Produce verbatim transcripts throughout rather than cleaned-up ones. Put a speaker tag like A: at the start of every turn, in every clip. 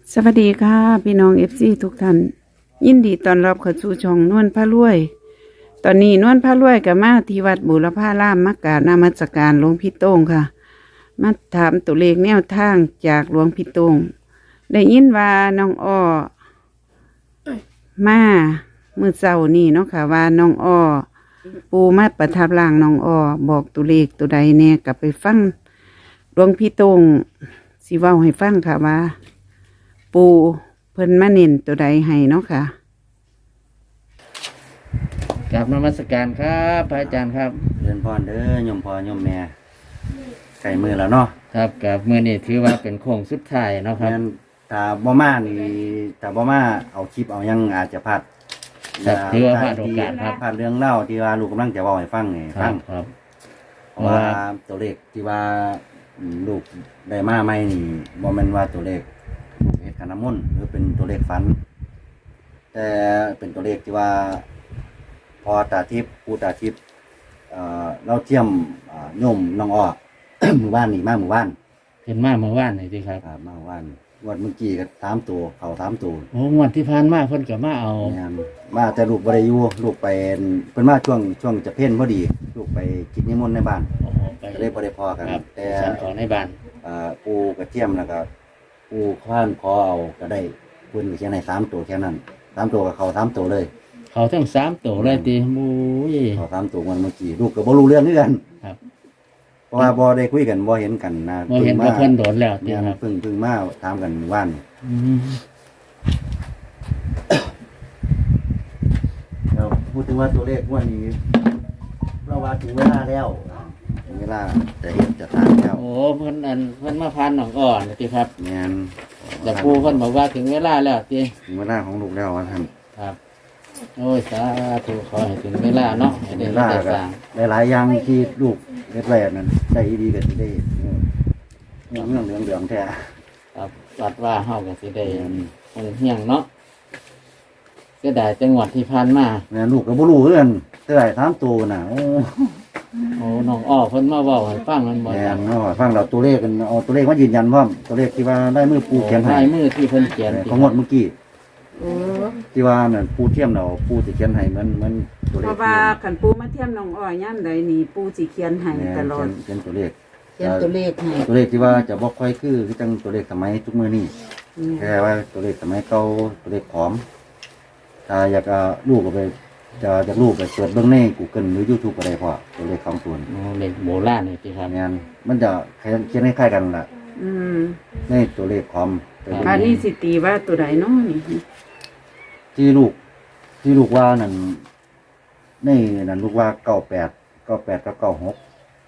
A: สวัสดีค่ะพี่น้องเอฟซีทุกท่านยินดีต้อนรับเข้าสู่ช่องนวลพระรวย ตอนนี้นวลพระรวยกับมาที่วัดบุรพารามมักกะนมัสการหลวงพี่โต้งค่ะ มาถามตัวเลขแนวทางจากหลวงพี่โต้งได้ยินว่าน้องอ้อมามือเช้านี่เนาะค่ะว่าน้องอ้อปูมาประทับร่างน้องอ้อบอกตัวเลขตัวใดแน่กลับไปฟังหลวงพี่โต้งสิเว้าให้ฟังค่ะว่าปูเพิ่นมาเน้นตัวใดให้เนาะค่ะ
B: กราบนมัสการครับพระอาจารย์ครับ
C: เรียนพรเด้อโยมพ่อโยมแม่ไก่มือแล้วเนาะ
B: ครับกับมือนี้ถือว่าเป็นโค้งสุดท้ายเนาะครับ
C: งั้นถ้าบ่มานี่ถ้าบ่มาเอาคลิปเอายังอาจจะพลาด
B: ครับถือว่าพลาดโอกาสครับ
C: พลาดเรื่องเล่าที่ว่าลูกกำลังจะเว้าให้ฟังนี่
B: ค
C: ฟั
B: รั
C: ง
B: บครับ
C: เพราะว่าตัวเลขที่ว่าอืมลูกได้มาใหม่นี่บ่แม่นว่าตัวเลขเฮ็ดขันน้ำมนต์หรือเป็นตัวเลขฝัน แต่เป็นตัวเลขที่ว่า พอตาทิพย์ปูตาทิพย์เอ่อเราเทียมอ่าโยมน้องอ้อ หมู่บ้านนี่มาหมู่บ้าน
B: เห็นมาเมื่อวานนี่สิครับ
C: ครับมาหมู่บ้านวันเมื่อกี้ก็สามตัวเขาสามตัว
B: โอ้งวดที่ผ่านมาเพิ่นก็มาเอา
C: แม่นมาแต่ลูกบริยูลูกไปเป็นมาช่วงช่วงจะเพ่นพอดี ลูกไปกินนิมนต์ในบ้าน
B: โอ้ไป
C: ก็เลยบริพอกัน
B: ครับ
C: แต่
B: ฉันของในบ้าน
C: อ่าปูกระเทียมแล้วก็ปูข้านขอเอาก็ได้คุณก็เขียนให้สามตัวแค่นั้นสามตัวกับเขาสามตัวเลย
B: เขาทั้งสามตัวเลยติบูย
C: เขาสามตัววันเมื่อกี้ลูกก็บ่รู้เรื่องด้วยกัน
B: ครับ
C: เพราะว่าบ่ได้คุยกันบ่เห็นกันนะ
B: บ่เห็นว่าเพิ่นโดนแล้วติ
C: เนี่ย
B: ครับ
C: เพิ่งเพิ่งมาถามกันว่าน
B: อืม
C: เราพูดถึงว่าตัวเลขงวันนี้เราว่าถึงเวลาแล้วถึงเวลาจะเห็นจะทานแล้ว
B: โอ้เพิ่นอันเพิ่นมาพานหนองอ่อนนี่ติครับ
C: งาน
B: แต่ครูเพิ่นบอกว่าถึงเวลาแล้วติ
C: ถึงเวลาของลูกแล้วว่าท่าน
B: ครับโอ้ยสาธุขอให้ถึงเวลาเนาะให้
C: เว
B: ได้
C: ลา
B: ได้
C: ก็
B: สร้าง
C: หลายๆอย่างที่ลูกเล็ดแรกนั้นได้ดีกันได้เรื่องเรื่องเหลืองเหลืองๆแท้
B: ครับวัดว่าเฮาก็สิได้
C: แม่น
B: คงเฮียงเนาะเสียดายจังหวัดที่ผ่านมา
C: แม่นลูกก็บ่รู้เรื่องเท่าไหร่ถามตัวน่ะโอ้
B: โอ้น้องอ้อเพิ่นมาเว้าให้ฟังมันบ่
C: แม่
B: ครั
C: น
B: บ
C: เนาะฟังเราตัวเลขกันเอาตัวเลขมายืนยันพร้อมตัวเลขที่ว่าได้มือปูเขียนให้
B: ลายมือที่เพิ่นเขียน
C: ของงวดเมื่อกี้
A: โอ้
C: ที่ว่านั่นปูเทียมเราปูสิเขียนให้เหมือนเหมือนตัวเล
A: เพ
C: ข
A: ราะว่าขันปูมาเทียมน้องอ้อยย่ำใดนี่ปูสิเขียนให้
C: แม่น
A: ตลอด
C: เขียนเขียนตัวเลข
A: เขียนตัวเลขให้
C: ตัวเลขที่ว่าจะบอกค่อยคือคือจังตัวเลขสมัยทุกมือนี่แค่ว่าตัวเลขสมัยเก่าตัวเลขผอมถ้าอยากเอาลูกก็ไปจะอยากลูกไปเสิร์ชเบื้องในกูเกิลหรือยูทูบก็ได้พอตัวเลขของตัว
B: โอ้เด็กโบราณนี่ติครับ
C: งานมันจะเขียนให้คล้ายกันล่ะ
A: อืม
C: ในตัวเลขผอมตัวเลข
A: อันนี้สิตีว่าตัวใดเนาะนี่
C: ที่ลูก ที่ลูกว่านั่นในนั่นลูกว่าเก้าแปดเก้าแปดกับเก้าหก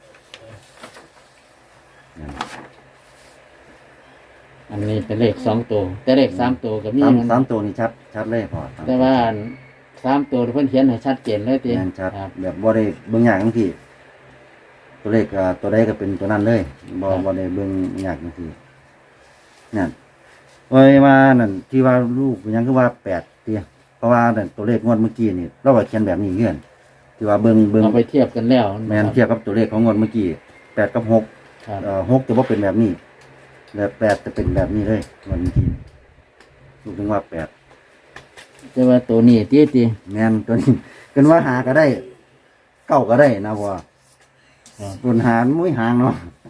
B: อันนี้เป็นเลขสองตัวแต่เลขสามตัวก็มี
C: สาม
B: มัน
C: สามตัวนี่ชัดชัดเลยพอสม
B: แต่ว่าสามตัวเพิ่นเขียนให้ชัดเจนเลยติ
C: งานชัด
B: ครับ
C: แบบบ่ได้เบิ่งยากทั้งทีตัวเลขอ่าตัวใดก็เป็นตัวนั้นเลยบ่บ่ได้เบิ่งยากทั้งทีนั่นโอ้ยว่านั่นที่ว่าลูกยังคือว่าแปดเตี้ยเพราะว่านั่นตัวเลขงวดเมื่อกี้นี่เราก็เขียนแบบนี้เงื่อนที่ว่าเบิ่งเบิ่ง
B: เอาไปเทียบกันแล้ว
C: แม่นเทียบกับตัวเลขของงวดเมื่อกี้แปดกับหก
B: ครับ
C: เอ่อหกจะบ่เป็นแบบนี้แล้วแปดจะเป็นแบบนี้เลยงวดเมื่อกี้ลูกถึงว่าแปด
B: แต่ว่าตัวนี้ติติ
C: แม่นตัวนี้กันว่าหาก็ได้เก้าก็ได้นะพ่อ
B: ครับ
C: ส่วนหารมุ้ยหางเนาะ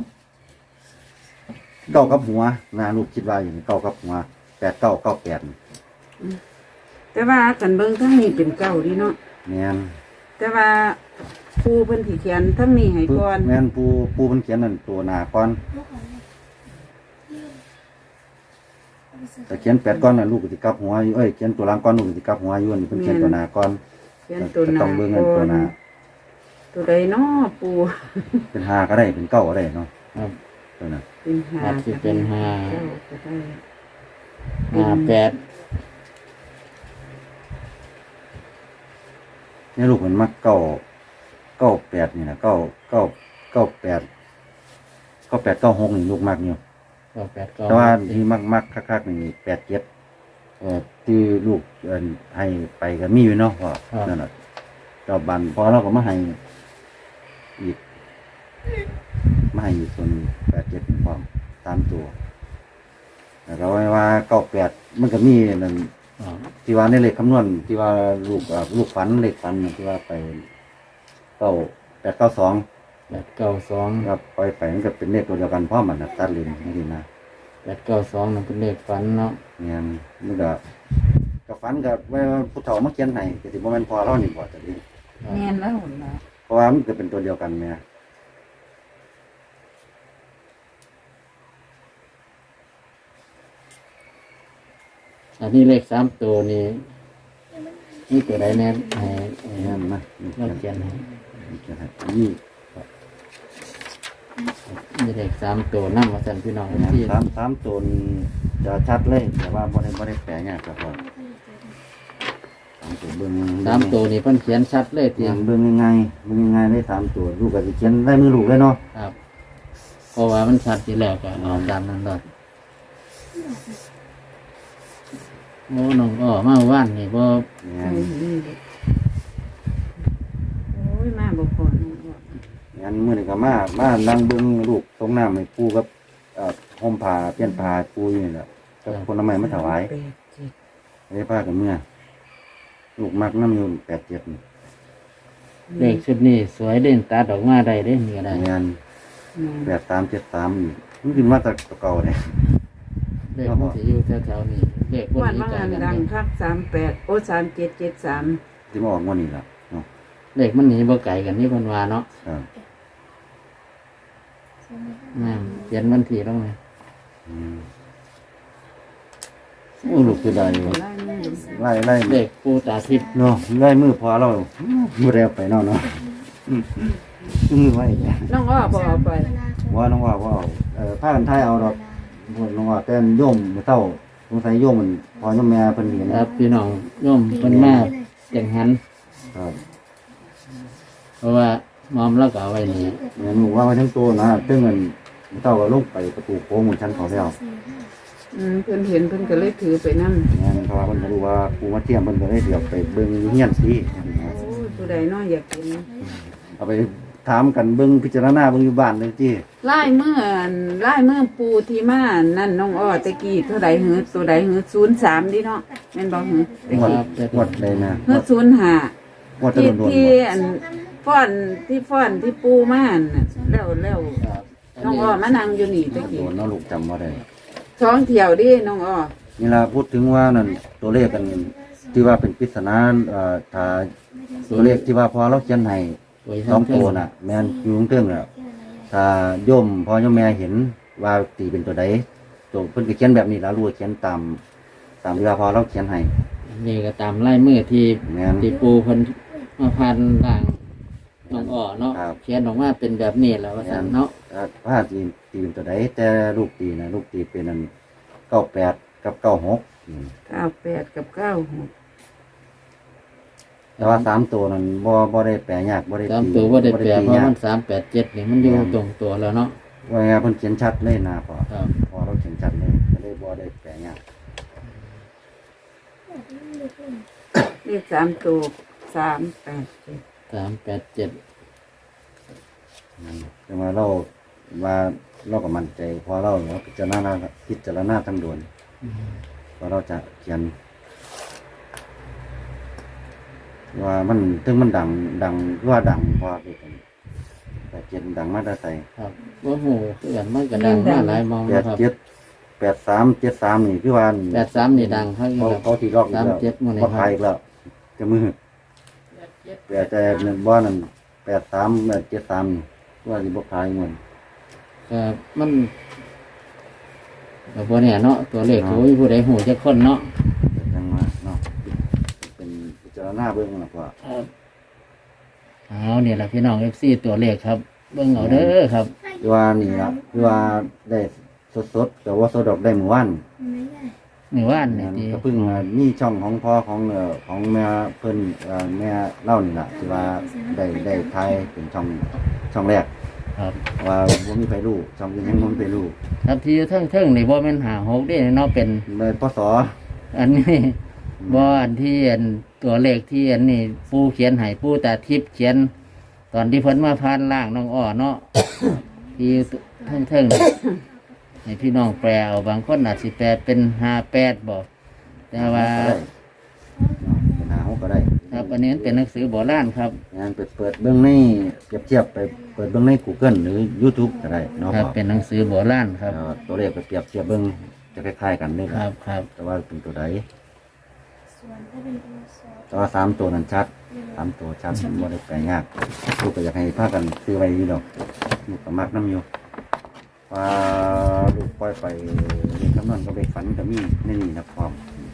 C: เก้ากับหัวนะลูกคิดว่าอย่างนี้เก้ากับหัวแปดเก้าเก้าแปด
A: แต่ว่ากันเบิ่งทั้งนี้เป็นเก้าดีเนาะ
C: แม่น
A: แต่ว่าปูเพิ่นสิเขียนทั้งนี้ให้ก่อน
C: แม่นปูปูมันเขียนนั่นตัวหนาก้อนแต่เขียนแปดก้อนน่ะลูกก็สิกลับหัวอยู่เอ้ยเขียนตัวหลังก้อนลูกก็สิกลับหัวอยู่อันนี้เพิ่นเขียนตัวหนาก้อน
A: เขียนตัวห
C: ก็
A: น้า
C: ต้องเบิ่งเงิน
A: ก่
C: ตั
A: อ
C: วน หนา
A: ตัวใดเนาะปู
C: เป็นห้าก็ได้เป็นเก้าก็ได้เนาะ
B: ครับ
C: ตัวนั้น
A: เป็นหา
B: อาจสิเป็นห้า
A: เก้าก็ได้
B: ห้าแปด
C: เนี่ยลูกมันมักเก้าเก้าแปดนี่นะเก้าเก้าเก้าแปดเก้าแปดเก้าหกนี่ลูกมักอยู่
B: เก้าแปดเก้า
C: แต่ว่าที่มักมักคักๆนี่แปดเจ็ดเอ่อที่ลูกเอ่อให้ไปก็มีอยู่เนาะพ่อนั่นแหละเจ้าบันพอเราก็มาให้อีกมาให้อีกส่วนแปดเจ็ดพร้อมตามตัวแล้วก็ว่าเก้าแปดมันก็มีนั่น
B: อ๋อ
C: ที่ว่าในเลขคำนวณที่ว่าลูกอ่าลูกฝันเลขฝันน่ะที่ว่าไปเก้าแปดเก้าสอง
B: แปดเก้าสอง
C: ครับปล่อยไปมันก็เป็นเลขตัวเดียวกันเพราะมันนะตัดเลนนี่นะ
B: แปดเก้าสองนั่นเป็นเลขฝันเนาะ
C: เนี่ยมันก็ก็ฝันก็ว่าผู้เฒ่ามาเขียนให้ก็สิบ่แม่นพอเรานี่บ่จะดี
D: แม่นแล้วหุ่นละ
C: เพราะว่ามันก็เป็นตัวเดียวกันแม่
B: อันนี้เลขสามตัวนี่นี่ตัวใดแน่ให้ให้
C: แม่นนะนี่
B: เราเขียนให้
C: เขียนให้นี่
B: มีเลขสามตัวนั่งมาสั่นพี่น้องที่
C: สามสามตัวนี่จะชัดเลยแต่ว่าบ่ได้บ่ได้แปลยากครับพ่อสามตัวเบิ่ง
B: สามตัวนี่เพิ่นเขียนชัดเลย
C: เตรี
B: ที
C: ยมเบิ่งง่ายๆเบิ่งง่ายๆได้สามตัวลูกก็สิเขียนได้มือลูกเลยเนาะ
B: ครับ เพราะว่ามันชัดทีแล้วก็เอาตามนั้นเลยโอ้น้องอ้อมาว่านนี่บ่
C: เนี่ย
A: โอ้ยมาบ่พอน้องอ้อ
C: งั้นมื้อนี้ก็มามานั่งเบิ่งลูกตรงน้ำให้ปู่กับเอ่อห่มผ้าเปลี่ยนผ้าให้ปู่อยู่นี่แหละกับผลไม้มาถวาย
A: แปดเจ็ด
C: ได้ผ้ากับเมื่อลูกมักน้ำอยู่แปดเจ็ดนี่
B: เลขชุดนี้สวยเด่นตาดอกมาได้เด้นี่ก็ได้
C: งาน
A: อืม
C: แปดสามเจ็ดสามนี่มันขึ้นมาจากเก่าเนี่ย
B: เลขมันสิอยู่แถวๆนี้เลขพวก
A: วัน
B: นี้
A: ว่าง
B: กั
A: งาน
B: น
A: ดัง
B: เด้
A: คักสามแปดโอ้สามเจ็ดเจ็ดสาม
C: ที่มาออกงวันนี้ละเนาะ
B: เลขมันหนีบ่ไกลกันนี่เพิ่นว่าเนาะ
C: ครับ
B: นั่นเขียนวันที่ลงเลย
C: อืมโอ้ลูกคือได้อยู่
A: ไล่มือ
C: ไล่ไล่
B: เลขปูตาทิพย์
C: เนาะไล่มือพอเรามือเร็วไปเนาะเนาะอืมมือไว้จ้ะ
A: น้องอ้อบ่เอาไป
C: ว่าน้องว่าว่าเอาเอ่อผ้ากันไทยเอาดอกพวกน้องว่าแต่โยมมื้อเท่าสงสัยโยมมันพอโยมแม่เพิ่นเห็น
B: ครับพี่น้องโยมเพิ่นมาจังหัน
C: ครับ
B: เพราะว่ามอมแล้วก็เอาไว้นี่
C: เนี่ยหนูว่าไว้ทั้งตัวนะซึ่งมันมื้อเท่าก็ลงไปประตูโค้งเหมือนชั้นเขาแล้ว
A: อืมเพิ่นเห็นเพิ่นก็เลยถือไปนำ
C: เนี่ยเพราะว่าเพิ่นก็รู้ว่าปูมาเทียมเพิ่นก็เลยเดี๋ยวไปเบิ่งอยู่เฮียนสิ
A: โอ้ยผู้ใดน้อยอยากกิน
C: เอาไปถามกันเบิ่งพิจารณาเบิ่งอยู่บ้านเลยจี
A: ไล่มืออันไล่มือปูที่มานั่นน้องอ้อตะกี้เท่าใดหือตัวใดหือศูนย์สามดิเนาะแม่นบ่หือตะ
C: งวด
A: กี้
C: งวดเลยนะ
A: หือศูนย์ห้าง
C: วดจะ
A: ที่
C: โดนๆ
A: ที่
C: บ่
A: อันฟ้อนที่ฟ้อนที่ปูมาอันน่ะแล้วแล้ว
B: ครับ
A: น้องอ้อมานั่งอยู่นี่ตะ
C: โด
A: กี้
C: นเนาะลูกจำบ่ได้
A: ท้องเที่ยวดิน้องอ้อ
C: นี่ล่ะพูดถึงว่านั่นตัวเลขกันที่ว่าเป็นปริศนาเอ่อถ้าตัวเลขที่ว่าพอเราเขียนให้
B: ไว้
C: สอง
B: ทำ
C: ตัวน่ะ แม่นอยู่ข้างเทิงน่ะถ้าโยมพอโยมแม่เห็นว่าตีเป็นตัวใดตัวเพิ่นก็เขียนแบบนี้แล้วรู้ว่าเขียนตามตามที่ว่าพอเราเขียนให้
B: นี่ก็ตามไล่มือที่
C: แม่น
B: ที่ปูเพิ่นมาพันล่างน้องอ้อเนาะ
C: ครับ
B: เขียนออกมาเป็นแบบนี้แล้วว่าซั่นเนาะ
C: อ่าผ้าตีตีเป็นตัวใดแต่ลูกตีนะลูกตีเป็นอันเก้าแปดกับเก้าหกอืม
A: เก้าแปดกับเก้าหก
C: แต่ว่าสามตัวนั้นบ่บ่ได้แปลยากบ่ได้
B: ตาม
C: ตี
B: ตัวบ่ได้แปล
C: ตี
B: เพราะ
C: ยาก
B: มันสามแปดเจ็ดนี่มันอยู่ตรงตัวแล้วเนาะ
C: ว่าไงเพิ่นเขียนชัดเลยนะพอ
B: ครับ
C: พอเราเขียนชัดเลยก็เลยบ่ได้แปลยาก
A: เลขสามตัวสามแปดเจ็ด
B: สามแปดเจ็ด
C: อืมแต่ว่าเราว่าเราก็มั่นใจพอเราเราพิจารณาพิจารณาทั้งดวนพอเราจะเขียน ว่ามันถึงมันดังดังว่าดังพอไปกันแต่เจ็ดดังมาได้ใส่
B: ครับว่าโหคือกันมันก็ดังมาหลายมอง
C: แป
B: นะ
C: ด
B: ครับ
C: เจ็ดแปดสามเจ็ดสามนี่พี่วาน
B: แปดสามนี่ดังครับ
C: เขาเขาที่รอบอีกแล้ว
B: สามเจ็ดหมู่นี่
C: เขา
B: ครับ
C: ขายอีกแล้วจะมือแปดแต่หนึ่งบ้านนั่นแปดสามเจ็ดสามนี่ว่าที่บกขายเงิน
B: ก็มันก็บ่เนี่ยเนาะตัวเลขโอ้ยผู้ใดหูจะคนเนาะ
C: จังมาเนาะเป็นพิจารณาเบื้องหลักว่า
B: ครับเอาเนี่ยแหละพี่น้องเอฟซีตัวเลขครับ เบิ่งเอาเด้อครับ
C: พี่ว่านี่ละพี่ว่าได้สดๆแต่ว่าสดดอกได้หมู่บ้าน
B: นี่ว่านนี่
C: เนี่ย
B: ที่
C: ก็เพิ่งมามีช่องของพ่อของเอ่อของแม่เพิ่นเอ่อแม่เล่านี่ล่ะที่ว่าได้ได้ทายเป็นช่องช่องแรก
B: ครับ
C: ว่าบ่มีไฟรู้ช่องอื่นยังบ่มีไฟรู้
B: ครับที่เทิงเทิงๆนี่บ่แม่นหาหกเด้เนาะเป็น
C: เลยพศ
B: อันนี้บ่อันที่อันตัวเลขที่อันนี้ปูเขียนให้ปูตาทิพย์เขียน ตอนที่เพิ่นมาพานล่างน้องอ้อเนาะ ที่เทิงเทิงๆให้พี่น้องแปลเอาบางคนอาจสิแปลเป็นห้าแปดบอกแต่ว่า
C: ก็ได้เป็นหาหกก็ได้
B: ครับอันนี้เป็นหนังสือโบราณครับ
C: งานเปิดเปิดเบื้องในเทียบเทียบไปเปิดเบื้องใน Google หรือ YouTube ก็ได้เนาะ
B: ครับ
C: พ่อ
B: เป็นหนังสือโบราณครับ
C: เอ่อตัวเลขไปเปรียบเทียบเบื้องจะคล้ายๆกันเลย
B: ครับครับ
C: แต่ว่าเป็นตัวใดแต่ว่าสามตัวนั้นชัดสามตัวชัดไม่ได้แปลยากลูกก็อยากให้พากันซื้อไว้อยู่ดอกลูกก็มักน้ำอยู่ว่าลูกปล่อยไปเรียนคำนวณก็ไปฝันก็มีในนี่นะพร้อม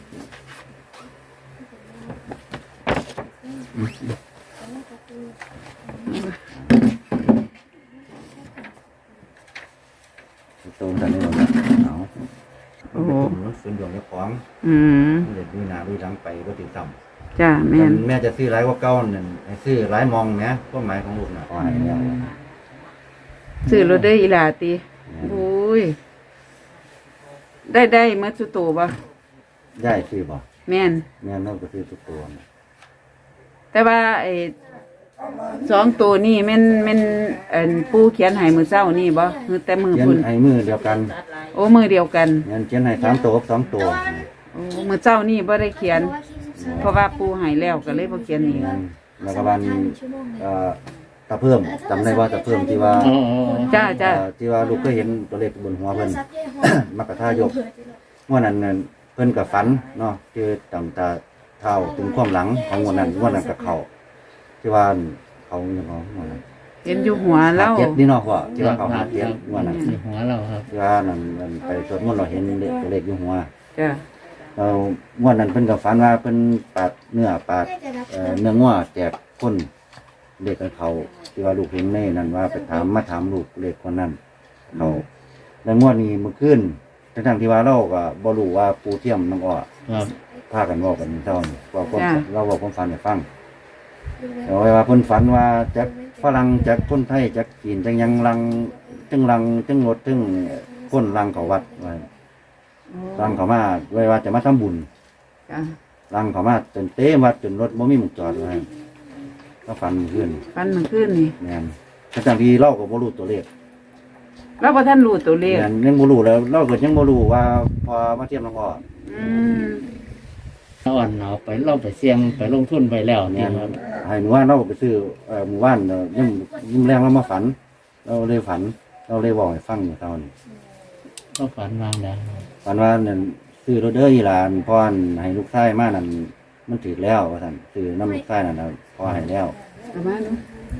C: ตัวมันนี่เราเอา
A: โอ้โห
C: ส่วนดวงเจ้าของ
A: อืม
C: เด็ดดูหนาดูดังไปก็ติดต่ำ
A: จ้าแม่น
C: แม่จะซื้อร้ายกว่าเก้านั่นให้ซื้อร้ายมองนะก็หมายของลูกนะอ๋อให้แล้ว
A: ซื้อรถได้ออีหลาติโอ้ยได้ได้เมื่อสุโตบ่
C: ได้ซื้อบ่
A: แม่น
C: แม่นเราก็ซื้อทุกตัวนะ
A: แต่ว่าไอ้สองตัวนี่แม่นแม่นเอิ่นปู่เขียนให้มื้อเช้านี่บ่คือแต่มือ
C: เขียน
A: พุ่น
C: ให้มือเดียวกัน
A: โอ้มือเดียวกัน
C: เขียนเขียนให้สามตัวกับสองตัว
A: โอ้มื้อเช้านี่บ่ได้เขียน เพราะว่าปู่ให้แล้วก็เลยบ่เขียนอีก
C: แม่นแล้วก็วันเอ่อตะเพิ่มจำได้ว่าตะเพิ่มที่ว่า
B: อ๋ออ๋ออ๋อ
A: จ้าจ้า
C: เอ่อที่ว่าลูกก็เห็นตัวเลขบนหัวเพิ่น มักกะทายกงวดนั้นนั่นเพิ่นกับฝันเนาะคือตั้งตาเท้าถึงความหลังของงวดนั้นงวดนั้นกับเขาที่ว่าเขาอย่างของงวดนั้น
A: เห็นอยู่หัว
C: หา
A: แล้ว
C: เจ็ดนี่เนาะพ่อที่ว่าเขาหาเจ็ดงวดนั้น
B: ในหัวเราครับ
C: ที่ว่านั่นนั่นไปสวดมนต์เราเห็นเลขตัวเลขอยู่หัว
A: จ้า
C: เรางวดนั้นเพิ่นกับฝันว่าเพิ่นปาดเนื้อปาดเอ่อเนื้องัวแจกคนเลขกันเขาที่ว่าลูกเห็นในนั่นว่าไปถามมาถามลูกเลขคนนั้นเขาแล้วงวดนี้เมื่อคืนทั้งๆที่ว่าเราก็บ่รู้ว่าปูเทียมน้องอ้อ
B: ครับ
C: พากันเว้ากันเท่านี้ว่าความเราเว้าความฝันให้ฟังเอาไว้ว่าเพิ่นฝันว่าจากฝรั่งจากคนไทยจากจีนจังยังลังจังลังจังรถจังคนลังเขาวัดไว้ลังเขามาไว้ว่าจะมาทำบุญ
A: จ้า
C: ลังเขามาจนเต็มวัดจนรถบ่มีหมุกจอดไว้ก็ฝันขึ้น
A: ฟันมันขึ้นนี่
C: แม่นทั้งที่เราก็บ่รู้ตัวเลข
A: เราบ่ทันรู้ตัวเลข
C: แม่นยังบ่รู้แล้วเราก็ยังบ่รู้ว่าพอมาเทียมน้องอ้อ
A: อืม
B: อ่อนเอาไปเราไปเสี่ยงไปลงทุนไปแล้ว
C: แม่
B: เนี่ย
C: น
B: ครับ
C: ให้หมู่บ้านเราไปซื้อเอ่อหมู่บ้านเอ่อยังยิ้มแรงแล้วมาฝัน เราเลยฝัน เราเลยบอกให้ฟังอยู่เท่านี้
B: ก็ฝันวางแล้ว
C: ฝันว่านั่นซื้อรถเด้ออีหลานพ่ออั่นให้ลูกชายมานั่นมันถือแล้วว่าซั่นซื้อน้ำลูกชายนั่นน่ะพอให้แล้ว
A: เอามาดู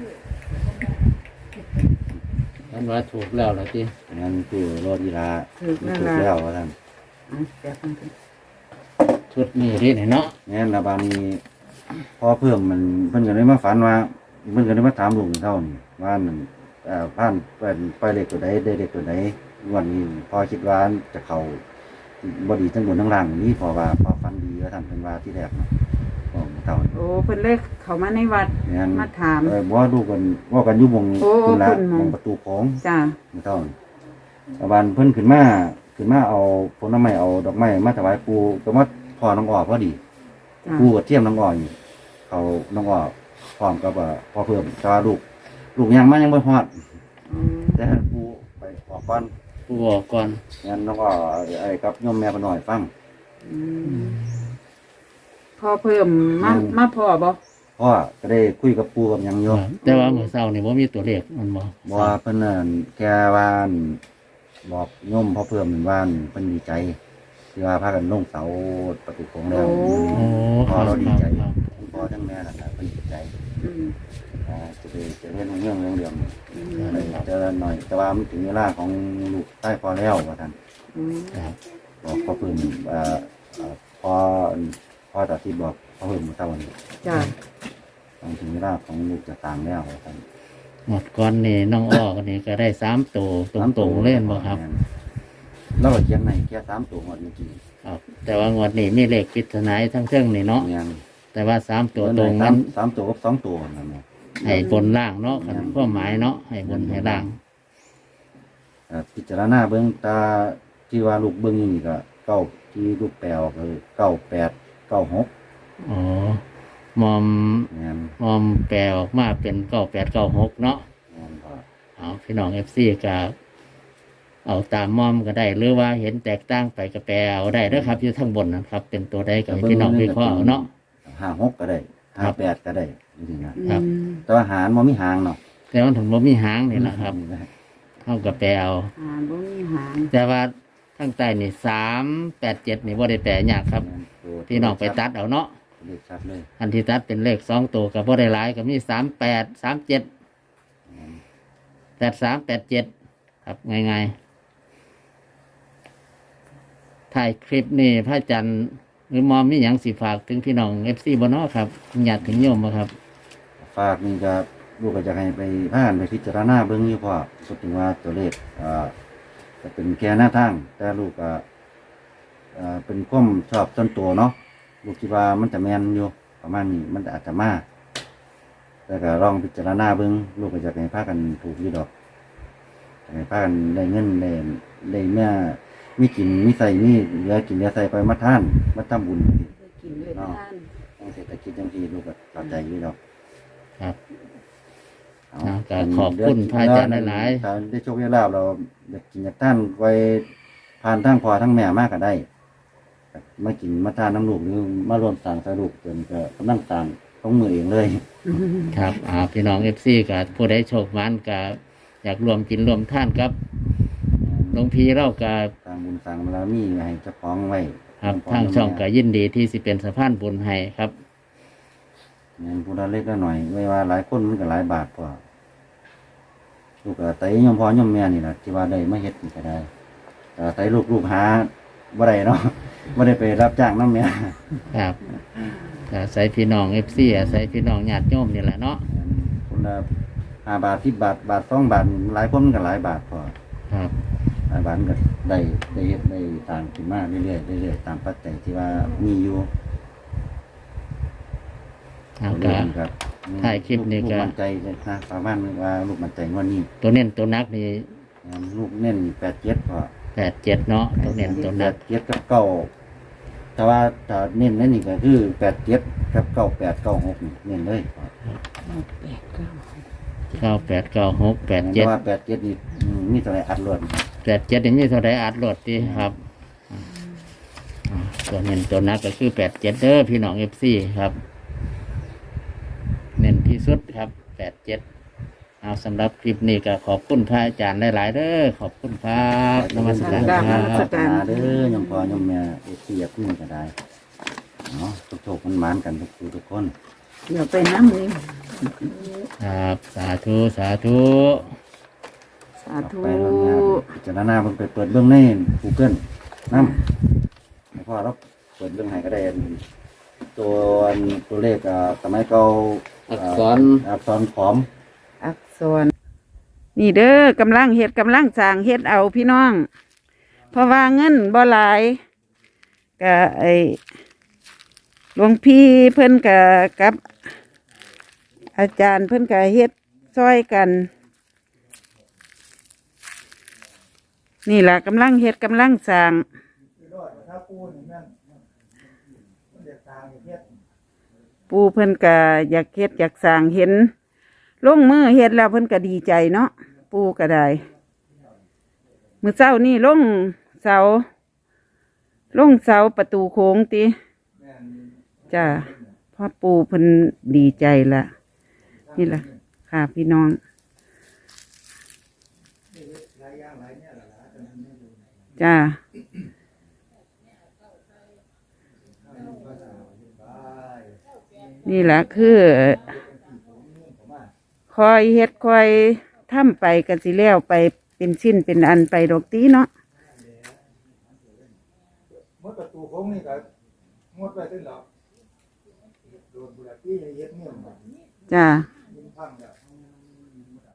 B: ฝันว่าถูกแล้วล่ะที่
C: งั้นซื้อรถอีหลา
A: ถือ
C: มัน
A: นั่น
C: ถือ
A: ล่ะ
C: แล้วว่าซั่น
A: เอาแป๊บนึง
B: ชุดนี้ที่ไหนเนาะ
C: งั้นระบาดนี้พอเพิ่มมันเพิ่นก็เลยมาฝันว่าเพิ่นก็เลยมาถามลุงเท่านี้ว่านั่นเอ่อผ่านเป็นไปเลขตัวใดได้เลขตัวใดวันนี้พอคิดว่าจะเข้าบ่ดีทั้งบนทั้งล่างนี่พอว่าพอฝันดีว่าท่านเพิ่นว่าที่แรกเนาะบอกเท่านี้
A: โอ้เพิ่นเลขเข้ามาในวัด
C: งั้น
A: มาถาม
C: เออบ่ว่าดูกันว่ากันอยู่วง
A: โอ้
C: คุณละ
A: คุณหม้อง
C: วงประตูโค้ง
A: จ้า
C: เท่านี้ระบาดเพิ่นขึ้นมาขึ้นมาเอาผลไม้เอาดอกไม้มาถวายปู่ก็มาพอน้องอ้อพอดี
A: จ้า
C: กูกับเทียมน้องอ่อยเขาน้องอ่อพร้อมกับว่าพอเพิ่มชาลูก ลูกยังมันยังไม่ฮอด
A: อืม
C: แต่ให้กูไปออกก่อน
B: ผู้บอกก่อน
C: งั้นน้องอ่อไอ้กับโยมแม่ไปหน่อยฟัง
A: อืมพอเพิ่มมา
C: อืม
A: มาพอบ่
C: พ่อก็ได้คุยกับปูกับหยังโยม
B: แต่ว่าเมื่อเช้านี่ว่ามีตัวเลขมันบอก
C: บอกว่าเพิ่นนั่นแกว่านบอกโยมพอเพิ่มเป็นว่านเพิ่นดีใจที่ว่าพากันลงเสาประตูโค้งแล้ว
B: โอ้ค
C: พ่อ
B: รับ
C: เราดีใจ
B: ครับ
C: คุณพ่อทั้งแม่นะครับเพิ่นดีใจ
A: อืม
C: อ่าจะไปจะเล่นเรื่องเรื่องเรื่อง
A: อืม
C: อะไรเจอหน่อยแต่ว่ามันถึงเวลาของลูกใต้พอแล้วว่าท่าน
A: อืม
B: ครับ
C: บอกพ่อเพิ่มเอ่อเอ่อพอพอตัดที่บอกพ่อเพิ่มเมื่อเช้านี้
A: จ้า
C: ต้องถึงเวลาของลูกจะต่างแล้วว่าท่าน
B: หมดก่อนนี่น้องอ้อกันนี่ก็ได้สามตัวตรงๆเล่นบ่ครับ
C: เราก็เขียนในแค่สามตัวหมดเมื่อกี้
B: ครับ แต่ว่างวดนี้มีเลขปริศนาทั้งเครื่องนี่เนาะ
C: เนี่ย
B: แต่ว่าสามตัวตรง
C: สา
B: นั้
C: ม
B: น
C: สามตัวกับสองตัวนั่นแหละ
B: ให้บนล่างเนาะคันความหมายเนาะให้บนให้ล่าง
C: เอ่อพิจารณาเบื้องตาที่ว่าลูกเบื้องนี่ก็เก้าที่ลูกแปลออกคือเก้าแปดเก้าหก
B: อ๋อมอม
C: เนี่ย
B: มอมแปลออกมาเป็นเก้าแปดเก้าหกเนาะ
C: เนี่ยพอ
B: เอาพี่น้องเอฟซีกับเอาตามมอมก็ได้หรือว่าเห็นแตกต่างไปก็แปลเอาได้เด้อครับอยู่ทั้งบนนะครับ เป็นตัวใดก็ให้พี่น้องวิเคราะห์เอาเนาะ
C: ห้าหกก็ได้ห้าแปดก็ได้จริงๆนะครับ
A: อืม
C: แต่ว่าหารมันมีหางเนาะ
B: แต่ว่าถึงบ่มีหางนี่แหละครับเท่ากับแปลเอา
A: หาบ่มีหาง
B: แต่ว่าทั้งใต้นี่สามแปดเจ็ดนี่บ่ได้แปลยากครับพี่น้องไปตัดเอาเนาะ
C: เลขชัดเลย
B: อันที่ตัดเป็นเลขสองตัวกับบ่ได้หลายก็มีสามแปดสามเจ็ดแปดสามแปดเจ็ดครับง่ายๆถ่ายคลิปนี่พระอาจารย์หรือมอมมีอย่างสิฝากถึงพี่น้องเอฟซีบเนาะครับอยากถึงโยมบ่ครับ
C: ฝากนี่ก็ลูกก็จะให้ไปผ่านไปพิจารณาเบิ่งอยู่พอสุดถึงว่าตัวเลขอ่าจะเป็นแค่หน้าทาง แต่ลูกก็อ่าเป็นความชอบส่วนตัวเนาะลูกคิดว่ามันจะแม่นอยู่ประมาณนี้มันอาจจะมากแต่ก็ลองพิจารณาเบิ่งลูกก็จะให้พากันถูกอยู่ดอกให้พากันได้เงินได้ได้เมื่อมีกินมีใส่มีเหลือกินเหลือใส่ไปมาทานมาทำบุญนี่
A: กินเลยทาน
C: ต้องเศรษฐกิจจังที่ลูกก็เข้าใจอยู่ดอก
B: ครับ
C: เอา
B: อ่าก็ขอบคุณพระอาจารย์หลายๆ
C: ถ้าได้โชคได้ลาภเราอยากกินอยากท่านไว้ผ่านทั้งพ่อทั้งแม่มากก็ได้มากินมาทานน้ำลูกหรือมารวมสร้างสรุปจนก็กำลังสร้างต้องมือเองเลย
B: ครับอ่าพี่น้องเอฟซีกับผู้ใดโชคมันกับอยากรวมกินรวมท่านครับหลวงพี่เรากับ
C: สร้างบุญสร้างบารมีให้เจ้าของไว้
B: ครับทางช่องก็ยินดีที่สิเป็นสะพานบุญให้ครับ
C: เงินผู้ละเล็กละหน่อยไม่ว่าหลายคนมันก็หลายบาทพอลูกก็ไต่ยมพ่อยมแม่นี่แหละที่ว่าได้มาเฮ็ดนี่ก็ได้แต่ไต่ลูกลูกหาบ่ได้เนาะบ่ได้ไปรับจ้างน้ำแม่
B: ครับก็อาศัยพี่น้องเอฟซีอาศัยพี่น้องญาติโยมนี่แหละเนาะ
C: คนละห้าบาทสิบบาทบาทสองบาทนี่หลายคนมันก็หลายบาทพอ
B: ครับ
C: หลายบาทมันก็ได้ได้เฮ็ดได้ต่างขึ้นมาเรื่อยๆเรื่อยๆตามปัจจัยที่ว่ามีอยู่
B: เอา
C: ตัว
B: ก็
C: เลขครับ
B: ถ่ายคลิปนี่ก็
C: ลูกมั่นใจเลยนะประมาณว่าลูกมั่นใจงว่านี้
B: ตัวเน้นตัวนักนี่
C: ลูกเน้นแปดเจ็ดพอ
B: แปดเจ็ดเนาะตัวเน้นตัว
C: แป
B: นัก
C: ดเจ็ดกับเก้าแต่ว่าถ้าเน้นนั่นนี่ก็คือแปดเจ็ดกับเก้าแปดเก้าหกนี่เน้นเลยพอ
A: แปดเก้า
B: เก้าแปดเก้าหกแปด
C: แต่
B: เจ็ด
C: ว่าแปดเจ็ดนี่อืมมีตัวไหนอัดรวด
B: แปดเจ็ดนี่มีเท่าไรอัดรถดีครับอ่าตัวเน้นตัวนักก็คือแปดเจ็ดเด้อพี่น้องเอฟซีครับ เน้นที่สุดครับแปดเจ็ดเอาสำหรับคลิปนี้ก็ขอบคุณพระอาจารย์หลาย ๆ เด้อขอบคุณครับนมัสการค
A: น
B: รั
A: มัส
B: บ
A: การ
C: เด้อยมพ่อยมแม่เอฟซีอยากพึ่งก็ได้เนาะทุกโชคมันหมานกันทุกผู้ทุกคน
A: เดี๋ยวไปน้ำนี่
B: ครับสาธุสาธุ
A: สาธุ
C: ไปโรงงานพิจารณาเพิ่นไปเปิดเบื้องใน Google นำให้พ่อเราเปิดเบื้องให้ก็ได้อันตัวอันตัวเลขอ่าสมัยเก่า
B: อักษร
C: อักษรขอม
A: อักษรนี่เด้อกำลังเฮ็ดกำลังสร้างเฮ็ดเอาพี่น้อง เพราะว่าเงินบ่หลายก็ไอหลวงพี่เพิ่นก็กับ อาจารย์เพิ่นก็เฮ็ดซอยกัน นี่ล่ะกำลังเฮ็ดกำลังสร้างปูเพิ่นก็อยากเฮ็ดอยากสร้างเห็นลงมือเฮ็ดแล้วเพิ่นก็ดีใจเนาะปูก็ได้มื้อเช้านี่ลงเสาลงเสาประตูโค้งติจ้าพ่อปูเพิ่นดีใจละนี่ล่ะค่ะพี่น้องจ้านี่แหละคือคอยเฮ็ดคอยทำไปกันสิแล้วไปเป็นชิ้นเป็นอันไปดอกตีเนาะ
E: มดประตูโค้งนี่ก็มดไปตึ้งหรอกโดนบุหรี่ที่เย็ดเนี่ยมัน
A: จ้า
E: ยิงพังแล้ว